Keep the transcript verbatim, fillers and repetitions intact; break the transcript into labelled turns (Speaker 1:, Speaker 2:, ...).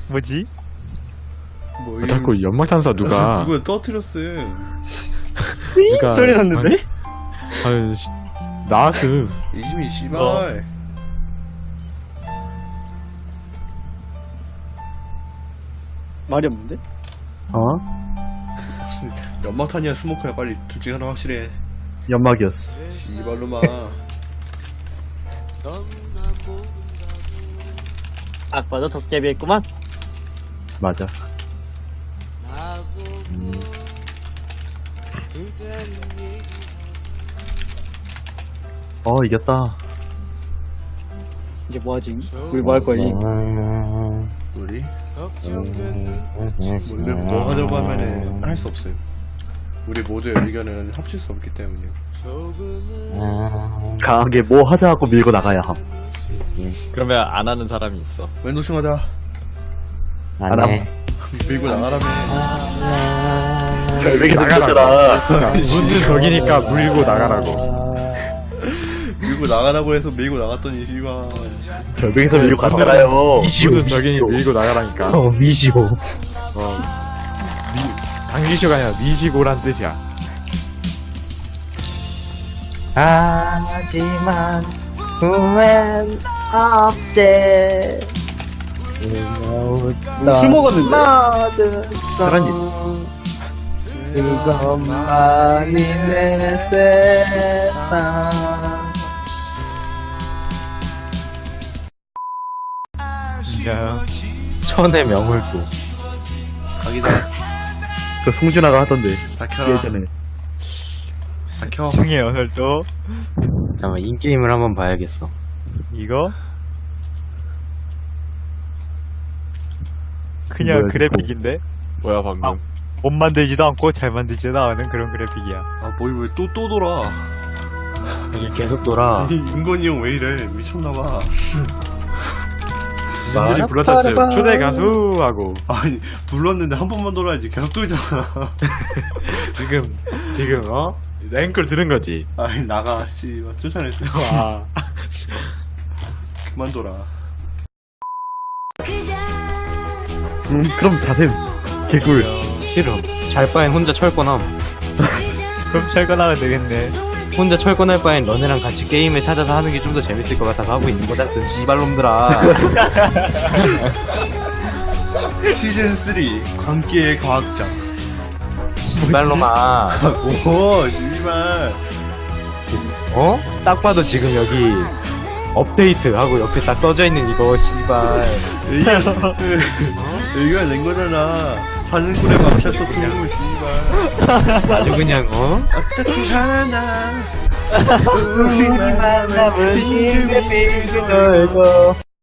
Speaker 1: 뭐지?
Speaker 2: 뭐
Speaker 3: 아, 자꾸 연막탄사 누가
Speaker 2: 누가 떠트렸음.
Speaker 3: 누가
Speaker 1: 소리 났는데?
Speaker 3: 아유 씨, 나왔음.
Speaker 2: 이지민 씨발.
Speaker 1: 어. 말이 없는데?
Speaker 4: 어?
Speaker 2: 연막탄이야 스모크야 빨리 둘 중에 하나 확실해.
Speaker 4: 연막이었어.
Speaker 2: 씨발로마.
Speaker 1: 딱 봐도 도깨비였구만.
Speaker 4: 맞아. 어, 이겼다.
Speaker 1: 이제 뭐하지? 우리 뭐 할 거니?
Speaker 2: 우리 우리 뭐 하자고 하면은 할 수 없어요. 우리 모두의 의견은 합칠 수 없기 때문에.
Speaker 4: 강하게 뭐 하자 하고 밀고 나가야 함.
Speaker 5: 그러면 안 하는 사람이 있어.
Speaker 2: 왼도충하자.
Speaker 4: 안 함.
Speaker 2: 밀고 나가라며.
Speaker 4: 결백이
Speaker 3: 나가라.
Speaker 4: 나가라.
Speaker 3: 문은 저기니까 물고 나가라고.
Speaker 2: 밀고 나가라고 해서 밀고 나갔더니 씨발.
Speaker 4: 결백에서 밀고 갔잖아요.
Speaker 3: 문은 저기니 밀고 나가라니까.
Speaker 4: 어, 미시고.
Speaker 3: 어. 미, 당기쇼가 아니라 미시고란 뜻이야.
Speaker 6: 하지만 후회는 없대.
Speaker 1: 술 먹었는데?
Speaker 4: 사랑이.
Speaker 6: 그것만이 내 세상.
Speaker 3: 야,
Speaker 4: 천의 명월도.
Speaker 2: 각이다.
Speaker 4: 그 송준아가 하던데.
Speaker 2: 다 켜라.
Speaker 4: 예전에.
Speaker 2: 다 켜.
Speaker 1: 중에 오늘도
Speaker 5: 잠깐만, 인게임을 한번 봐야겠어.
Speaker 1: 이거 그냥
Speaker 4: 뭐야,
Speaker 1: 그래픽인데
Speaker 5: 뭐야, 방금.
Speaker 1: 못 만들지도 않고 잘 만들지도 않은 그런 그래픽이야.
Speaker 2: 아 뭐이 왜 또 또 돌아?
Speaker 5: 이게 계속 돌아.
Speaker 2: 이 윤건이 형 왜 이래? 미쳤나봐.
Speaker 3: 님들이 불러쳤어요. 초대 가수 하고
Speaker 2: 아니 불렀는데 한 번만 돌아야지 계속 돌잖아.
Speaker 3: 지금 지금 어 랭크를 들은 거지.
Speaker 2: 아니 나가 씨발 쫓아냈어.
Speaker 3: 와.
Speaker 2: 그만 돌아.
Speaker 4: 음, 그럼 자셈. 개꿀.
Speaker 5: 싫어. 잘 바엔 혼자 철권함.
Speaker 1: 그럼 철거나면 되겠네.
Speaker 5: 혼자 철권할 바엔 너네랑 같이 게임을 찾아서 하는 게 좀 더 재밌을 것 같아서 하고 있는 거잖아, 씨발놈들아.
Speaker 2: 시즌 삼 광기의 과학자.
Speaker 5: 씨발놈아.
Speaker 2: 오 씨발.
Speaker 5: 어? 딱 봐도 지금 여기 업데이트 하고 옆에 딱 써져 있는 이거, 씨발.
Speaker 2: 의견 의견 낸 거잖아. 사는꾼의 맘샷도 들고 씨발.
Speaker 5: 아주 그냥, 어?
Speaker 2: 어떻게 하나
Speaker 6: 우리 만남은 힘에 빌고 놀고.